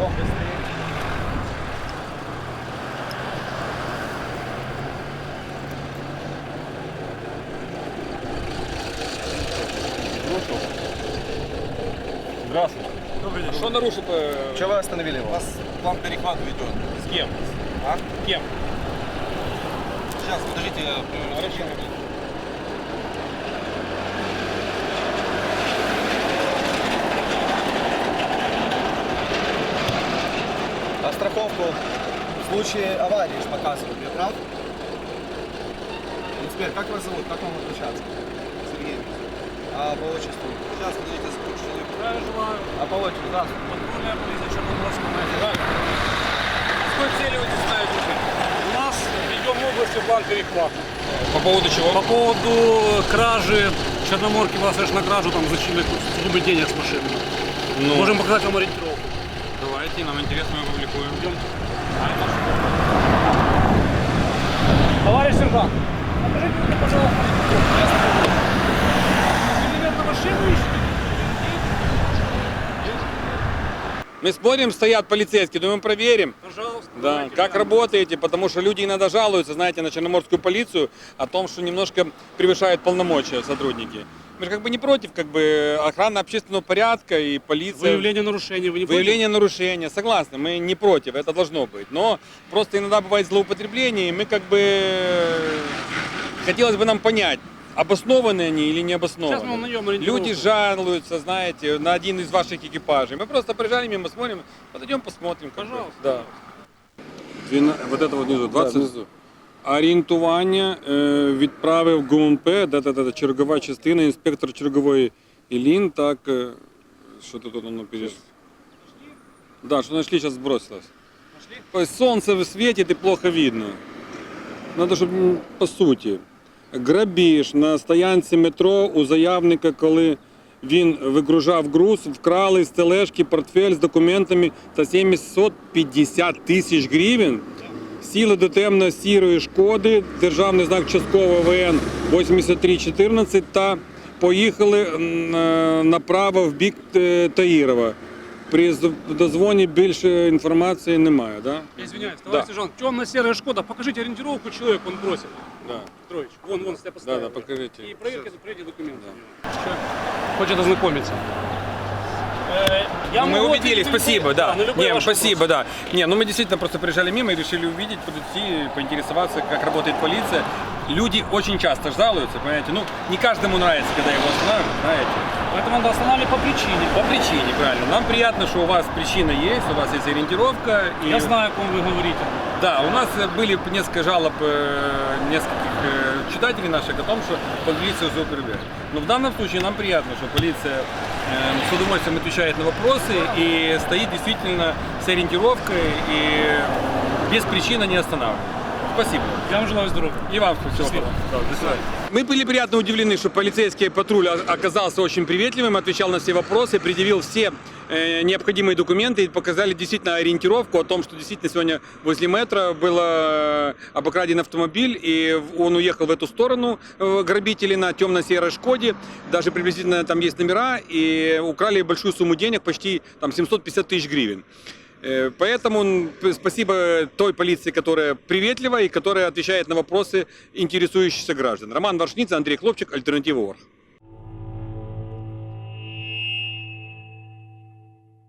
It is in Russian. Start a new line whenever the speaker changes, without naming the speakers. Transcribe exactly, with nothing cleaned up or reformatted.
Бегом быстрее.
Здравствуйте.
Добрый день.
Что нарушил?
Чего вы остановили
У
его?
вас план перехвата ведет.
С кем?
А?
Кем?
Сейчас, подождите, я проверю.
Хорошо.
А страховку в случае аварии ж показывают, я прав? Инспектор, как вас зовут? Как вам обращаться?
Сергей.
А по отчеству?
Сейчас, подождите, сколько человек.
Здравия желаю.
А по отчеству, здравствуйте.
Патрульная полиция Черноморского района. С какой целью вы здесь знаете?
У нас ведем области план перехвата.
По поводу чего?
По поводу кражи Черноморки, была совершена кражу, там зачинили судьбы денег с машины.
Ну,
Можем показать вам ориентировку.
давайте, нам интересно, мы публикуем.
Идем. Товарищ сержант, покажите мне, пожалуйста, ориентировку. Вы, наверное, машину ищете?
Мы смотрим, стоят полицейские, думаем, проверим.
Пожалуйста.
Да,
давайте
как
глянем.
работаете, потому что люди иногда жалуются, знаете, на черноморскую полицию о том, что немножко превышают полномочия сотрудники. Мы же как бы не против, как бы охраны общественного порядка и полиция.
Выявление нарушений, вы не
Выявление нарушения, согласны, мы не против, это должно быть. Но просто иногда бывает злоупотребление, и мы как бы хотелось бы нам понять, обоснованы они или не обоснованы.
Сейчас мы вам найдем ориентировку.
Люди жалуются, знаете, на один из ваших экипажей. Мы просто проезжали мимо, смотрим, подойдем, посмотрим. как бы.
Пожалуйста.
Да. Двіна- Вот это вот внизу, двадцать.
внизу.
Орієнтування е, відправив ГУНП, да-да-да, чергова частина, інспектор чергової Ілін, так, е, що тут воно перейшло? Да, что нашли, сейчас сбросилось. Нашли? Солнце светит и плохо видно. Надо, чтобы по суті. Грабіж на стоянці метро у заявника, коли він вигружав груз, вкрали з тележки портфель з документами та сімсот п'ятдесят тисяч гривень. Сіли до темно-сірої Шкоди, державний знак частково ВН вісімдесят три чотирнадцять та поїхали м, е, направо в бік е, Таїрова. При з- дозвоні більше інформації немає, да?
Я извиняюсь, товарищ
Да.
сержант, темно-серая Шкода, покажите ориентировку, человек он бросил.
Да.
Петрович, вон, вон, я
Да,
поставил.
да, покажите.
И проверьте, проверьте документы. Человек хочет ознакомиться. Э, Я
Мы
могу
увидели,
ответить на
спасибо,
любой-
да.
на любой
Не,
ваш
спасибо,
вопрос.
да. Не, ну мы действительно просто приезжали мимо и решили увидеть, подойти, поинтересоваться, как работает полиция. Люди очень часто жалуются, понимаете, ну не каждому нравится, когда его останавливают, знаете.
Поэтому надо останавливать по причине.
По причине, правильно. Нам приятно, что у вас причина есть, у вас есть ориентировка. И...
Я знаю, о ком вы говорите.
Да, у нас были несколько жалоб э, нескольких э, читателей наших о том, что полиция злоупотребляет. Но в данном случае нам приятно, что полиция э, с удовольствием отвечает на вопросы и стоит действительно с ориентировкой и без причины не останавливает. Спасибо.
Я вам желаю здоровья.
И вам всего
Счастливо.
хорошего. Да, до свидания. Мы были приятно удивлены, что полицейский патруль о- оказался очень приветливым, отвечал на все вопросы, предъявил все э, необходимые документы и показали действительно ориентировку о том, что действительно сегодня возле метро был э, обокраден автомобиль, и в- он уехал в эту сторону, э, грабители на темно-серой Шкоде, даже приблизительно там есть номера, и украли большую сумму денег, почти там семьсот пятьдесят тысяч гривен. Э, Поэтому м, п- спасибо той полиции, которая приветлива и которая отвечает на вопросы интересующихся граждан. Роман Варшница, Андрей Хлопчик, Альтернатива Орг.